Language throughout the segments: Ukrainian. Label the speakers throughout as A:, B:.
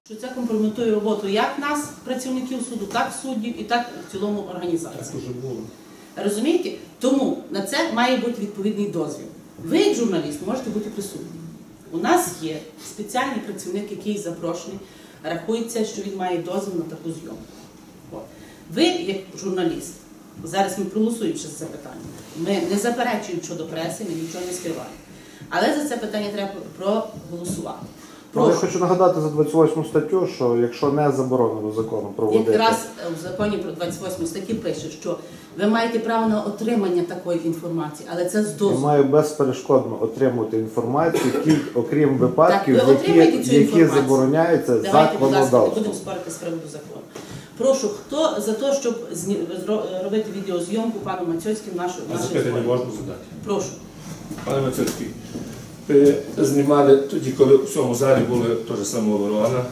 A: Що це компрометує роботу як нас, працівників суду, так суддів і так в цілому організації.
B: Так уже було.
A: Розумієте? Тому на це має бути відповідний дозвіл. Ви, як журналіст, можете бути присутні. У нас є спеціальний працівник, який запрошений, рахується, що він має дозвіл на таку зйомку. Ви, як журналіст, зараз ми проголосуємо ще за це питання, ми не заперечуємо щодо преси, ми нічого не скриваємо. Але за це питання треба проголосувати.
C: Я хочу нагадати за 28 статтю, що якщо не заборонено законом проводити...
A: Якраз в законі про 28 статті пише, що ви маєте право на отримання такої інформації, але це з дозволу.
C: Я маю безперешкодно отримувати інформацію, окрім випадків, які забороняються законодавством.
A: Давайте, будь ласка, не будемо спорити з приводу закону. Прошу, хто за те, щоб робити відеозйомку пану Мацьоцькому нашої
B: Запитання можна задати?
A: Прошу.
B: Пане Мацьоцький, ви знімали тоді, коли в цьому залі були теж самооборона,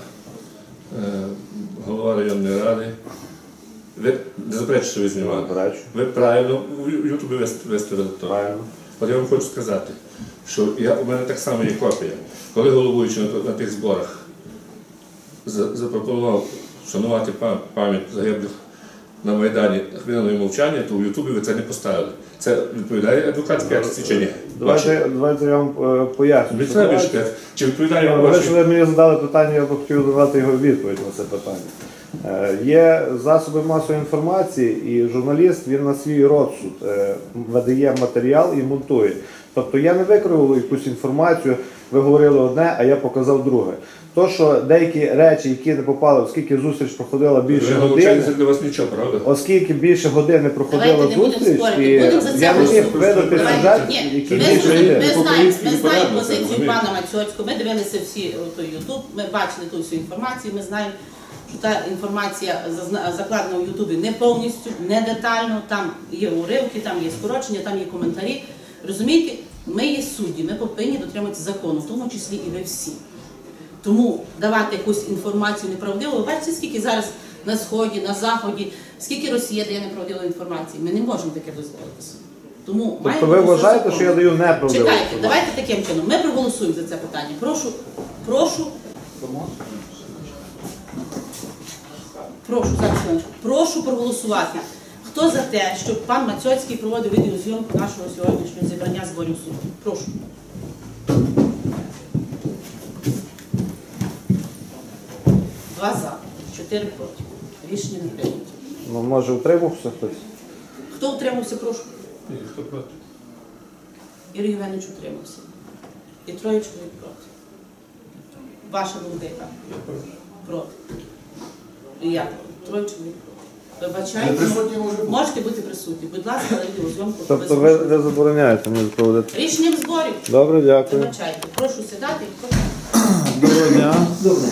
B: голова районної ради. Ви не заперечуєте, що ви знімали? Ви правильно в Ютубі виставили то.
C: Правильно.
B: От я вам хочу сказати, що у мене так само є копія. Коли головуючий на тих зборах запропонував шанувати пам'ять загиблих на Майдані хвилиною мовчання, то в Ютубі ви це не поставили. Це відповідає адвокатській акції чи ні?
C: Давайте я вам поясню.
B: Чи відповідає вам ваші?
C: Ви мені задали питання, я б хотів давати його відповідь на це питання. Є засоби масової інформації, і журналіст, він на свій розсуд видає матеріал і монтує. Тобто я не викривав якусь інформацію, ви говорили одне, а я показав друге. То, що деякі речі, які не попали, оскільки зустріч проходила більше години,
B: для вас нічого, правда?
C: Оскільки більше години проходила зустріч, і я не міг видати сюжет, який більше години.
A: Ми знаємо позицію пана Мацьоцького, ми дивилися всі той Ютуб, ми бачили ту всю інформацію, ми знаємо, що та інформація закладена в Ютубі не повністю, не детально, там є уривки, там є скорочення, там є коментарі. Розумієте, ми є судді, ми повинні дотримуватися закону, в тому числі і ви всі. Тому давати якусь інформацію неправдиву, ви бачите, скільки зараз на Сході, на Заході, скільки Росія дає неправдивої інформації, ми не можемо таке дозволити. Тому
C: тобто ви вважаєте, що я даю неправдиву інформацію?
A: Чекайте, давайте таким чином, ми проголосуємо за це питання. Прошу проголосувати. Хто за те, щоб пан Мацьоцький проводив відеозйомку нашого сьогоднішнього зібрання зборів суду? Прошу. Два за, 4 проти. Рішення не прийнято.
C: Ну, може, утримався хтось?
A: Хто утримався, прошу?
B: Хто проти?
A: Юрій Євгенович утримався. І троє чоловік проти. Ваша думка яка?
B: Я проти.
A: Проти. І я проти. Троє чоловік проти. Вибачайте, можете бути присутні. Будь ласка, але відеозйомку.
C: Тобто ви забороняєте мені проводити?
A: Рішенням зборів.
C: Добре, дякую.
A: Вибачайте. Прошу сідати.
C: Доброго дня.
D: Добре.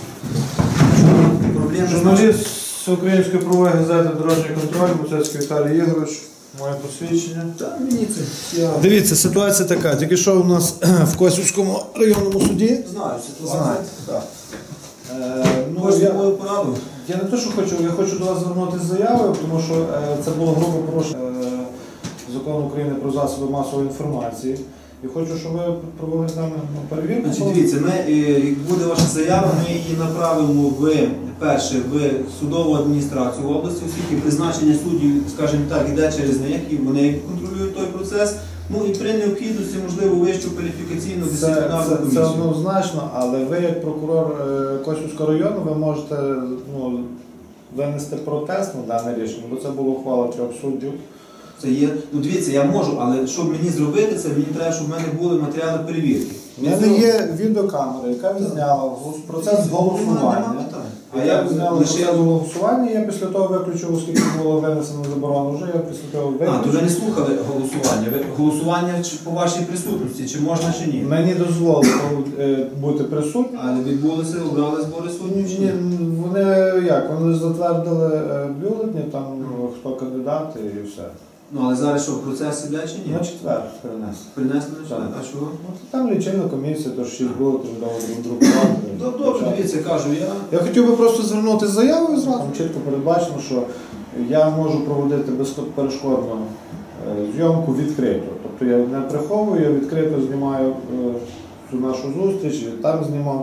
C: Журналіст Української правової газети «Дорожній контроль», Мацьоцький Віталій Ігорович. Моє посвідчення.
D: Так, мені це.
C: Дивіться, ситуація така. Тільки що у нас в Косівському районному суді.
D: Знаю ситуацію.
C: Знаєте, так.
D: Можете мою пораду?
C: Я не те, що хочу, я хочу до вас звернутися з заявою, тому що це було грубо порушення Закону України про засоби масової інформації. І хочу, щоб ви провели з нами перевірку.
D: Значить, дивіться, як буде ваша заява, ми її направимо в судову адміністрацію області, оскільки призначення суддів, скажімо так, йде через них, і вони контролюють той процес. Ну і при необхідності, можливо, вищу кваліфікаційну дисциплінарну комісію.
C: Це однозначно, але ви, як прокурор Косівського району, ви можете винести протест на дане рішення, бо це була ухвала 3 суддів.
D: Це є, ну дивіться, я можу, але щоб мені зробити це, мені треба, щоб в мене були матеріали перевірки.
C: У мене є відеокамера, яка відзняла процес голосування. А я відзняла процес голосування, я після того виключив, оскільки було винесено заборону, вже я після того виключив.
D: То ви не слухали голосування? Голосування по вашій присутності, чи можна, чи ні?
C: Мені дозволили бути присутнім.
D: Але відбулися, обрали збори суддів, чи ні?
C: Вони як? Вони затвердили бюлетні, там хто кандидат і все.
D: Ну, але зараз що, процес іде чи ні?
C: На четвер перенесли.
D: Принесли на четвер? А чого?
C: Там лічильна комісія, то 6 бюлетень друкувати.
D: Добре, дивіться, кажу,
C: я хотів би просто звернутися з заявою зразу. Там чітко передбачено, що я можу проводити безперешкодно зйомку відкрито. Тобто я не приховую, я відкрито знімаю цю нашу зустріч, там знімав.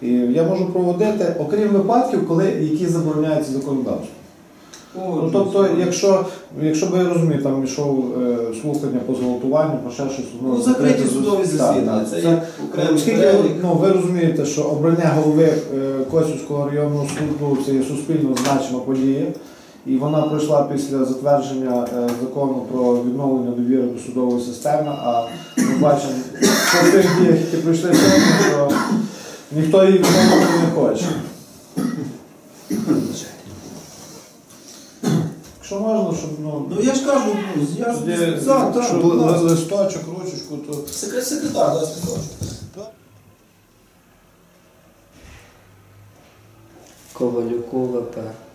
C: І я можу проводити, окрім випадків, які забороняються законодавством. Ну, тобто, якщо би, я розумію, там йшов слухання по зґвалтуванню, по ще щось.
D: Ну, закриті судові засідання. Це як окремий
C: Оскільки,
D: перелік.
C: ви розумієте, що обрання голови Косівського районного суду – це є суспільно значима подія, і вона пройшла після затвердження закону про відновлення довіри до судової системи, а ми бачимо, що в тих діях, які пройшли сьогодні, що ніхто її відновлювати не хоче. Якщо можна, щоб,
D: Ну я ж кажу, я
C: листочок, ручечку, то...
D: секретар, да, листочок.
E: Ковалюку ВП.